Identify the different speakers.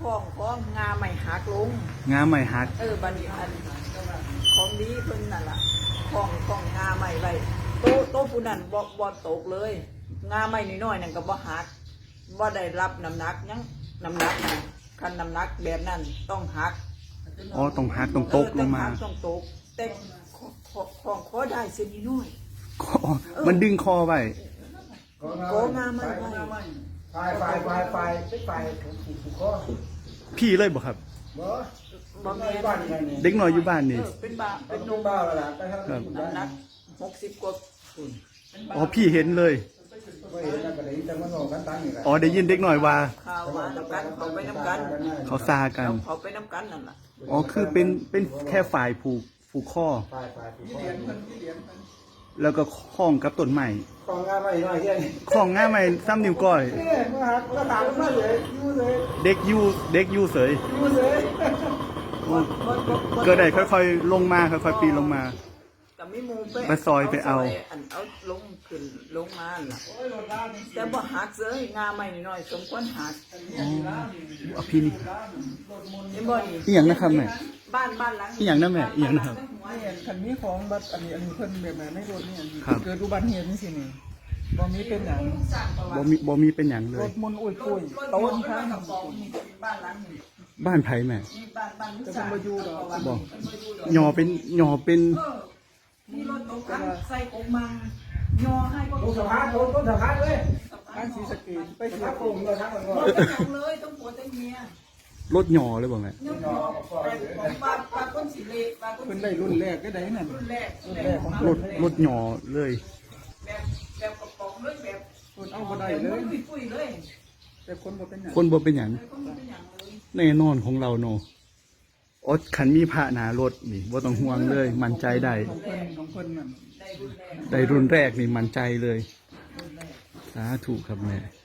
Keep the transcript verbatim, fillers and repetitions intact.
Speaker 1: ของของงาใหม่หักลง
Speaker 2: งาใหม่หัก
Speaker 1: เออบัดนี้อันของดีเพิ่นนั่นล่ะของของงาใหม่ไว้โตโตผู้นั้นบ่บ่ตกเลยงาใหม่น้อยๆนั่นก็บ่หักบ่ได้รับน้ำหนักยังน้ำหนักนะคันน้ำหนักแบบนั้นต้องหัก
Speaker 2: อ๋อต้องหักต้องตกลงมา
Speaker 1: ต้องตกแต่ของขอได้เส้นน้อย
Speaker 2: มันดึงคอไว้
Speaker 1: โกงาใหม่ไว้
Speaker 3: ไฟไฟไฟไฟเป็นไฟถูกถูกคอ
Speaker 2: พี่เลยบ่ครับ
Speaker 3: บ่บ่แม่บ้านนี่
Speaker 2: เด็กน้อยอยู่บ้านนี่
Speaker 1: เป็นบ้าเป็น
Speaker 3: นุ่มบ้าแล้วล่ะแต่ถ้า
Speaker 1: น้ำหนักหกสิบกว่า
Speaker 2: อ๋อพี่เห็นเลย
Speaker 3: บ่เห็นแล้วก็ได้แต่มันบอกกันตั้งนี่แหละ
Speaker 2: อ๋อได้ยินเด็กน้อยว่า
Speaker 1: ข่าวว่าน้ำกันเขาไปน้ำกัน
Speaker 2: เขาซากัน
Speaker 1: เขาไปน้ำกันนั่นล่ะ
Speaker 2: อ๋อคือเป็นเป็นแค่ฝ่ายผูกผูกข้อแล้วก็คล้องกับต้นไม้
Speaker 3: คล้องงาใหม่หน่อยเฮีย
Speaker 2: คล้องง่าใหม่ซ้ำนิ้วก้อย
Speaker 3: เนี่ยมาหักแล้วถามมาเลยยูเลย
Speaker 2: เด็กยูเด็กยูเสย
Speaker 3: ยูเลย
Speaker 2: ก็ได้ค่อยๆลงมาค่อยๆปีนลงมา
Speaker 1: แต่ไม่มู
Speaker 2: ไปซอยไปเอา
Speaker 1: เอาลงขึ้นลงมาล่ะแต่บ่หักเลยงาใหม่น้อยสมควรหัก
Speaker 2: อ๋อพี่นี่
Speaker 1: นี่บ่นี่
Speaker 2: อีหยังนะครับแม่
Speaker 1: บ้านบ้านหลัง
Speaker 2: อีหยังนะแม่อีหยังนะครับ
Speaker 4: คันนี้ของบัดอันนี้อันนี้เพิ่นแบบไหนไม่รถนี่เกิดอุบัติเหตุนี่สินี่บ่มีเป็นหยัง
Speaker 2: บ่มีบ่มีเป็นหยังเล
Speaker 4: ร
Speaker 2: ย
Speaker 4: ถมุนอุ้ยปุ้ยต้นข้าง
Speaker 1: บ้านหลังนี้
Speaker 2: บ้านไผแม่
Speaker 1: บ้านบ้าน
Speaker 4: จะเป็นบ่อยู่ดอก
Speaker 2: บ่หยอเป็นหยอเป็น
Speaker 1: นี่รถตกกันใส่กงมังยอให้ก็
Speaker 3: ต้นสะพานต้นต้นสะพานเลย
Speaker 4: บ้านศรีสะเกษไปเสีย
Speaker 3: โป่งเลยทั้งหมด
Speaker 1: เลยต้องปวดแต่เมีย
Speaker 2: รถหยอเลยบ่แม่
Speaker 1: ปลาปลาก้นสีเละปลาก้น
Speaker 4: เพิ่นได้รุ่นแรกก็ได้นั่น
Speaker 1: รุ่นแรกรุ่นแรก
Speaker 2: รถรถหยอเลย
Speaker 1: แบบแบบกระป๋องเลยแบบ
Speaker 4: คนเอาบ่ได้เลย
Speaker 1: ปุ้ยเลย
Speaker 4: แต่คนบ่เป็นหยัง
Speaker 2: คนบ่เป็นหยังแน่นอนของเราเนาะอ๋อคันมีพระหนารถนี่บ่ต้องห่วงเลยมั่นใจได้
Speaker 4: ของเพิ่นของเพิ่นนั่น
Speaker 2: ได้รุ่นแรกนี่มั่นใจเลยสาธุครับแม่